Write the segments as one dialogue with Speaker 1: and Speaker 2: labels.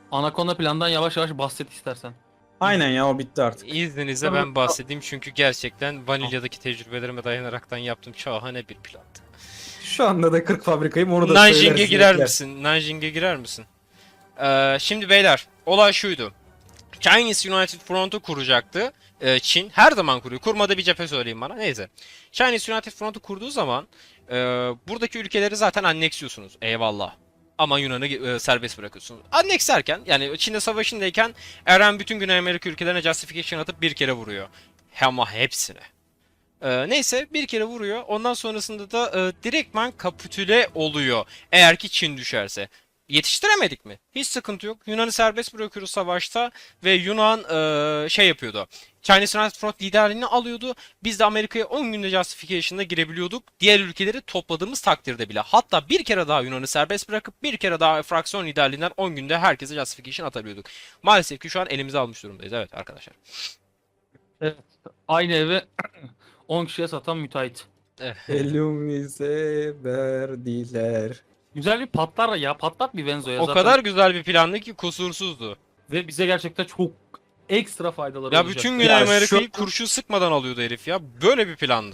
Speaker 1: Anaconda plandan yavaş yavaş bahset istersen.
Speaker 2: Aynen ya, o bitti artık.
Speaker 3: İzninizle ben bahsedeyim çünkü gerçekten vanilyadaki tecrübelerime dayanaraktan yaptığım şahane bir plandı.
Speaker 2: Şu anda da 40 fabrikayım, onu da
Speaker 3: Nanjing'e
Speaker 2: söyleriz.
Speaker 3: girer
Speaker 2: bekler.
Speaker 3: misin? Nanjing'e girer misin? Şimdi beyler, olay şuydu. Chinese United Front'u kuracaktı. Çin her zaman kuruyor. Kurmadı bir cephe söyleyeyim bana. Neyse. Chinese United Front'u kurduğu zaman buradaki ülkeleri zaten anneksiyorsunuz. Eyvallah. Ama Yunan'ı serbest bırakıyorsunuz. Anneks derken yani Çin'de savaşındayken Eren bütün Güney Amerika ülkelerine justification atıp bir kere vuruyor. Ama hepsine. Neyse bir kere vuruyor. Ondan sonrasında da direktman kapitüle oluyor. Eğer ki Çin düşerse. Yetiştiremedik mi? Hiç sıkıntı yok. Yunan'ı serbest bırakıyoruz savaşta ve Yunan şey yapıyordu. Chinese United Front liderliğini alıyordu. Biz de Amerika'ya 10 günde justification'da girebiliyorduk. Diğer ülkeleri topladığımız takdirde bile. Hatta bir kere daha Yunan'ı serbest bırakıp bir kere daha fraksiyon liderliğinden 10 günde herkese justification atabiliyorduk. Maalesef ki şu an elimize almış durumdayız. Evet arkadaşlar.
Speaker 1: Evet. Aynı evi 10 kişiye satan müteahhit.
Speaker 2: Elimize verdiler.
Speaker 1: Güzel bir patlar ya. Patlat bir Venzo'ya
Speaker 3: O
Speaker 1: zaten.
Speaker 3: kadar güzel bir plandı ki kusursuzdu.
Speaker 1: Ve bize gerçekten çok ekstra faydaları
Speaker 3: Ya
Speaker 1: olacak.
Speaker 3: bütün
Speaker 2: Ya
Speaker 3: Güney Amerika'yı
Speaker 2: şu-
Speaker 3: kurşun sıkmadan alıyordu herif ya. Böyle bir plandı.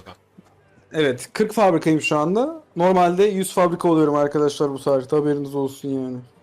Speaker 2: Evet, 40 fabrikayım şu anda. Normalde 100 fabrika oluyorum arkadaşlar bu saatte, haberiniz olsun yani.